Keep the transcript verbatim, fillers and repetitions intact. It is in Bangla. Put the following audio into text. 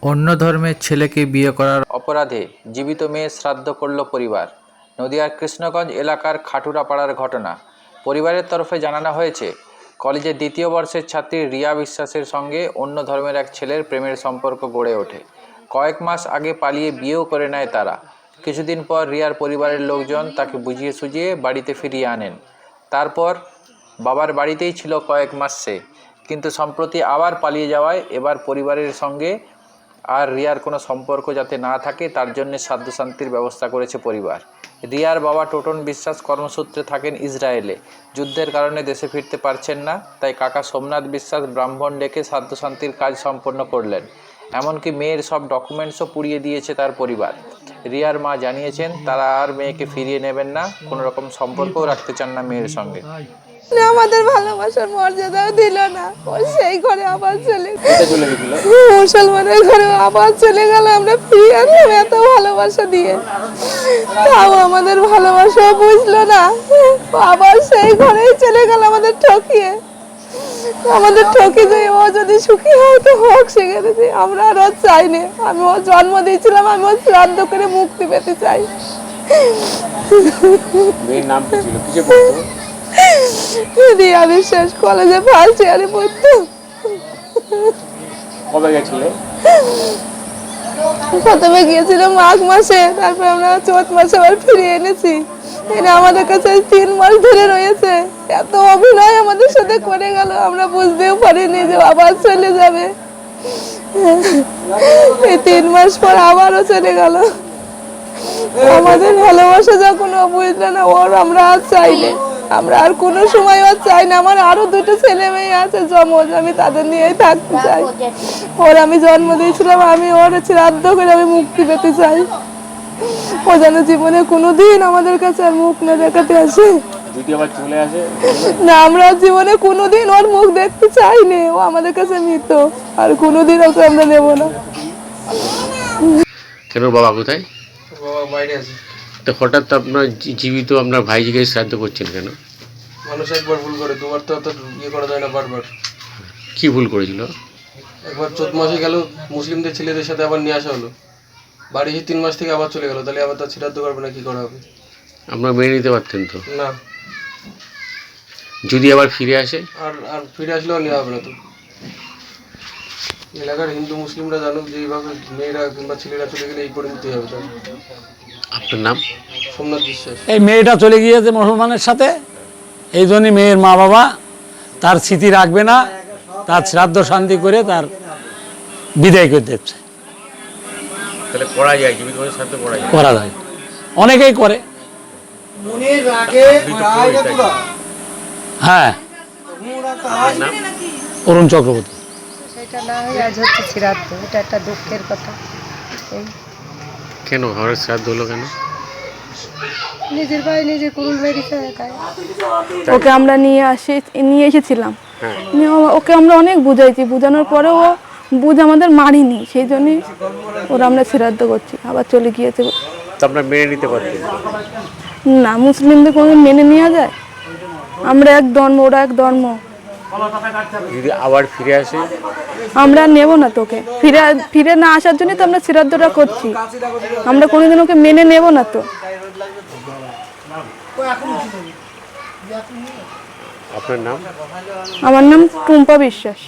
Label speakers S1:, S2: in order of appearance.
S1: অন্য ধর্মের ছেলেকে বিয়ে করার অপরাধে জীবিত মেয়ে শ্রাদ্ধ করল পরিবার। নদিয়ার কৃষ্ণগঞ্জ এলাকার খাটুরাপাড়ার ঘটনা। পরিবারের তরফে জানানো হয়েছে, কলেজের দ্বিতীয় বর্ষের ছাত্রী রিয়া বিশ্বাসের সঙ্গে অন্য ধর্মের এক ছেলের প্রেমের সম্পর্ক গড়ে ওঠে। কয়েক মাস আগে পালিয়ে বিয়েও করে নেয় তারা। কিছুদিন পর রিয়ার পরিবারের লোকজন তাকে বুঝিয়ে সুঝিয়ে বাড়িতে ফিরিয়ে আনেন। তারপর বাবার বাড়িতেই ছিল কয়েক মাস সে, কিন্তু সম্প্রতি আবার পালিয়ে যাওয়ায় এবার পরিবারের সঙ্গে আর রিয়ার কোনো সম্পর্ক যাতে না থাকে তার জন্য শ্রাদ্ধ শান্তির ব্যবস্থা করেছে পরিবার। রিয়ার বাবা টোটন বিশ্বাস কর্মসূত্রে থাকেন ইসরায়েলে। যুদ্ধের কারণে দেশে ফিরতে পারছেন না, তাই কাকা সোমনাথ বিশ্বাস ব্রাহ্মণ ডেকে শ্রাদ্ধ শান্তির কাজ সম্পন্ন করলেন। এমনকি মেয়ের সব ডকুমেন্টসও পুড়িয়ে দিয়েছে তার পরিবার। রিয়ার মা জানিয়েছেন তারা আর মেয়েকে ফিরিয়ে নেবেন না, কোনো রকম সম্পর্কও রাখতে চান না মেয়ের সঙ্গে।
S2: আমাদের ভালোবাসার মর্যাদাও দিল না, ও সেই ঘরে আবার চলে গেল, মুসলমানের ঘরে আবার চলে গেল। আমরা ফিরে আনলাম এত ভালোবাসা দিয়ে, তাও আমাদের ভালোবাসা বুঝলো না, আবার সেই ঘরেই চলে গেল আমাদের ঠকিয়ে। আমাদের ঠকি দিয়ে ও যদি সুখী হয় তো হোক, সেখানে আমরা আর চাইনি। আমি ও জন্ম দিয়েছিলাম, আমি ও শ্রাদ্ধ করে মুক্তি পেতে চাই।
S3: মেয়ের নাম কি ছিল? কিসে পড়তো?
S2: রিয়া বিশ্বাস কলেজে ফার্স্ট ইয়ারে পড়তো।
S3: কবে গেছিল?
S2: প্রথমে গিয়েছিল মাঘ মাসে, তারপর আমরা চৈত মাসে আবার ফিরিয়ে এনেছি। এরা আমাদের কাছে তিন মাস ধরে রয়েছে। এত অভিনয় আমাদের সাথে করে গেল, আমরা বুঝতেও পারিনি যে আবার চলে যাবে। এই তিন মাস পর আবারও চলে গেল। আমাদের ভালোবাসা যখন ও বুঝলো না, ওর আমরা আর চাইনি, আমরা আর কোনো সময় আর চাই না। আমার আরো দুটো ছেলে মেয়ে আছে জমজ, আমি তাদের নিয়েই থাকতে চাই। ওর আমি জন্ম দিয়েছিলাম, আমি ওর শ্রাদ্ধ করে আমি মুক্তি পেতে চাই। ও যেন জীবনে কোনোদিন আমাদের কাছে আর মুখ না দেখাতে আসে।
S3: যদি আবার চলে আসে
S2: না, আমরা জীবনে কোনোদিন ওর মুখ দেখতে চাইনি। ও আমাদের কাছে মৃত, আর কোনোদিন ওকে আমরা নেব না।
S3: কেন বাবা কোথায়?
S4: বাবা বাইরে আছে।
S3: তো হঠাৎ আপনার জীবিত আপনার ভাইজিকে শ্রাদ্ধ করছেন কেন?
S4: মানুষ একবার ভুল করে, দুবার তো অত ইয়ে করা যায় না বারবার।
S3: কি ভুল করেছিল?
S4: একবার চোদ্দ মাসে গেল, মুসলিমদের ছেলেদের সাথে আবার নিয়ে আসা হলো। বাড়ি এসে তিন মাস থেকে আবার চলে গেল, তাহলে আবার তার শ্রাদ্ধ করবে না, কি করা হবে?
S3: আপনারা মেনে নিতে পারতেন তো?
S4: না,
S3: যদি আবার ফিরে আসে?
S4: আর আর ফিরে আসলেও নেওয়া হবে না তো। এলাকার হিন্দু মুসলিমরা জানুক যে এইভাবে মেয়েরা কিংবা ছেলেরা চলে গেলে এই করে নিতে হবে। তার
S3: আপনার নাম?
S4: সোমনাথ বিশ্বাস।
S5: এই মেয়েটা চলে গিয়েছে মুসলমানের সাথে, এই জন্যই মেয়ের মা বাবা তার স্মৃতি রাখবে না, তার শ্রাদ্ধ শান্তি করে তার বিদায় করে দিচ্ছে।
S3: তাহলে করা যায়, জীবিত মানুষের শ্রাদ্ধ করা যায়?
S5: করা যায়, অনেকেই করে। হ্যাঁ, অরুণ চক্রবর্তী।
S6: সেটা না হয় আজ হচ্ছে শ্রাদ্ধ, এটা একটা দুঃখের কথা। এই
S3: কেন আমার শ্রাদ্ধ হলো কেন?
S6: নিজের ভাই নিজে কুরুল মেরেছে একাই।
S2: ওকে আমরা নিয়ে আসি নিয়ে এসেছিলাম, নিয়ে ও- ওকে আমরা অনেক বুঝাইছি, বোঝানোর পরেও ও বুঝ আমাদের মারিনি, সেই জন্যই ওরা আমরা শ্রাদ্ধ করছি। আবার চলে গিয়েছে।
S3: তো আপনারা মেনে নিতে পারতেন?
S2: না, মুসলিমদের কোনো মেনে নেওয়া যায়? আমরা এক ধর্ম, ওরা এক ধর্ম,
S3: যদি আবার ফিরে আসে?
S2: আমরা নেব না তোকে। ফিরে ফিরে না আসার জন্য তো আমরা শ্রাদ্ধটা করছি, আমরা কোনোদিন ওকে মেনে নেব না তো।
S3: আপনার নাম?
S2: আমার নাম টুম্পা বিশ্বাস।